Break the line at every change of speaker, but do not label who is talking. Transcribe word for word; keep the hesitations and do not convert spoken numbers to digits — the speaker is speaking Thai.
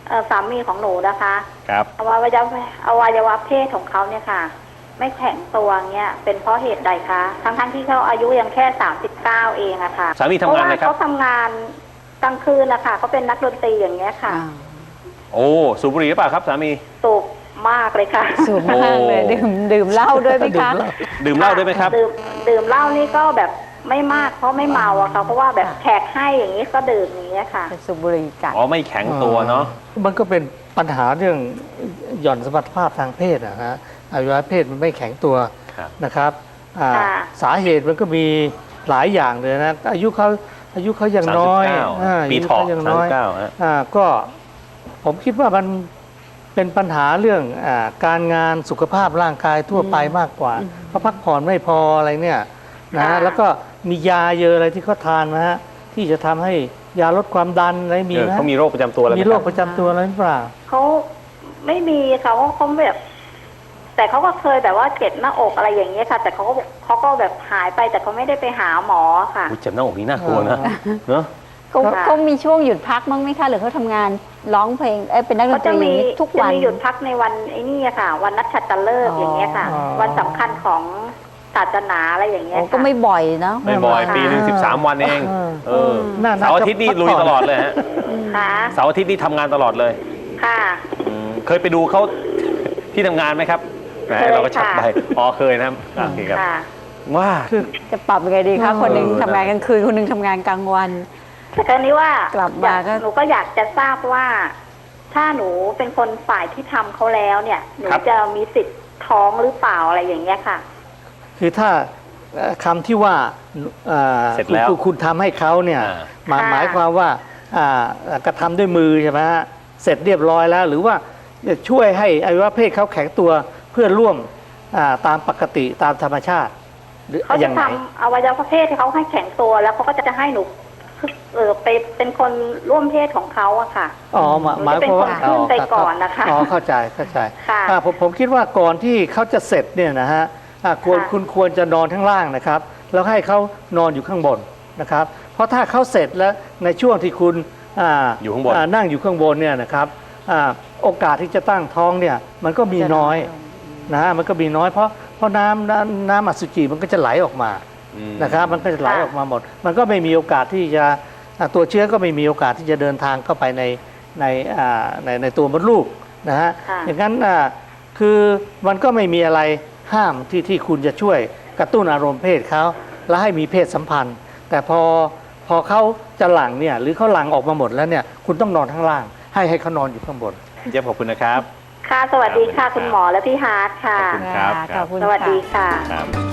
เออสามีของหนูนะคะ
ครับ
อวัยวะอวัยวะเพศของเขาเนี่ยค่ะไม่แข็งตัวเนี่ยเป็นเพราะเหตุใดคะทั้งทั้งที่เขาอายุยังแค่สามสิบเก้าเองอะค่ะ
สามีทำงานอะไรครับ
เขาทำงานกลางคืนนะคะเขาเป็นนักดนตรีอย่างเงี้ยค่ะ
โอ้สูบบุหรี่หรือเปล่าครับสามี
สูบมากเลยค่ะ
สูบมากเลยดื่มดื่มเหล้าด้วยไหมคะ
ดื่มเหล้าด้วยไหมครับ
ดื่มดื่มเหล้านี่ก็แบบไม่มากเพราะไม่เมาอะค่ะเพราะว่าแบบแขกให้อย่างนี้ก็ดื่มอย่างนี้ค่ะ
สูบบุหรี่จัด
อ๋อไม่แข็งตัวเนาะ
มันก็เป็นปัญหาเรื่องหย่อนสมรรถภาพทางเพศนะฮะอวัยวะเพศมันไม่แข็งตัวนะครับสาเหตุมันก็มีหลายอย่างเลยนะอายุเขาอายุเขายังน้อย
ปีทองยังน้อย
ก็ผมคิดว่ามันเป็นปัญหาเรื่องการงานสุขภาพร่างกายทั่วไปมากกว่าเขาพักผ่อนไม่พออะไรเนี่ยนะแล้วก็มียาเยอะอะไรที่เขาทานนะฮะที่จะทำให้ยาลดความดันอะไรมีไหม
เขามีโรคประจำตัวอะไร
มีโรคประจำตัวอะไรหรือเปล่า
เขาไม่มีเขาเขาแบบแต่เขาก็เคยแบบว่าเจ็บหน้าอกอะไรอย่างเงี้ยค่ะแต่เขาก็เขาก็แบบหายไปแต่เขาไม่ได้ไปหาหมอค่ะ
เจ็บหน้าอกนี่น่ากลัวนะเนอะ
เขาเขามีช่วงหยุดพักมั้งไหมคะหรือเขาทำงานร้องเพลงเอ้เป็นนักดนตรีทุกวัน
จะมีหยุดพักในวันไอ้นี่ค่ะวันนักขัตฤกษ์อย่างเงี้ยค่ะวันสำคัญของศาสนาอะไรอย่างเงี้ย
ก็ไม่บ่อยเนาะ
ไม่บ่อยปีหนึ่งสิบสามวันเองเออเสาร์อาทิตย์นี่ลุยตลอดเลยฮะเสาร์อาทิตย์นี่ทำงานตลอดเลย
ค่ะ
เคยไปดูเขาที่ทำงานไหมครับเราก็ชักไปอ๋อเคยนะโอเคครับว่า
จะปรับยังไงดีคะคนหนึ่งทำงานกลางคืนคนหนึ่งทำงานกลางวัน
แต่คราวนี้ว่าก
ลับมาก็
หนูก็อยากจะทราบว่าถ้าหนูเป็นคนฝ่ายที่ทำเขาแล้วเนี่ยหนูจะมีสิทธิ์ท้องหรือเปล่าอะไรอย่างเงี้ยค่ะ
คือถ้าคำที่ว่า
เสร็จแล้ว
คุณทำให้เขาเนี่ยหมายความว่ากระทำด้วยมือใช่ไหมฮะเสร็จเรียบร้อยแล้วหรือว่าจะช่วยให้อวัยวะเพศเขาแข็งตัวเพื่อร่วมตามปกติตามธรรมชาติ
เขาจะทำอวัยวะเพศที่เขาให้แข็งตัวแล้วเขาก็จะให้หนูเออไปเป็นคนร่วมเพศของเขาอะค่ะ
อ๋อหมายความว่า
ขึ้นไปก่อนนะคะ
อ๋อเข้าใจเข้าใจผมผมคิดว่าก่อนที่เขาจะเสร็จเนี่ยนะฮะควรคุณควรจะนอนข้างล่างนะครับแล้วให้เขานอนอยู่ข้างบนนะครับเพราะถ้าเขาเสร็จแล้วในช่วงที่คุณ
อยู่ข้างบน
นั่งอยู่ข้างบนเนี่ยนะครับโอกาสที่จะตั้งท้องเนี่ยมันก็มีน้อยนะฮะมันก็มีน้อยเพราะเพราะน้ำน้ำน้ำอสุจิมันก็จะไหลออกมานะครับมันก็จะไหลออกมาหมดมันก็ไม่มีโอกาสที่จะตัวเชื้อก็ไม่มีโอกาสที่จะเดินทางเข้าไปในในในในตัวมดลูกนะฮะอย่างนั้นคือมันก็ไม่มีอะไรห้ามที่ที่คุณจะช่วยกระตุ้นอารมณ์เพศเขาแล้วให้มีเพศสัมพันธ์แต่พอพอเขาจะหลั่งเนี่ยหรือเขาหลั่งออกมาหมดแล้วเนี่ยคุณต้องนอนข้างล่างให้ให้เขานอนอยู่ข้างบน
เจี๊ยบขอบคุณนะครับ
ค่ะสวัสดีค่ะคุณหมอและพี่ฮาร์ทค่ะ
ขอบคุณครับ
สวัสดีค่ะ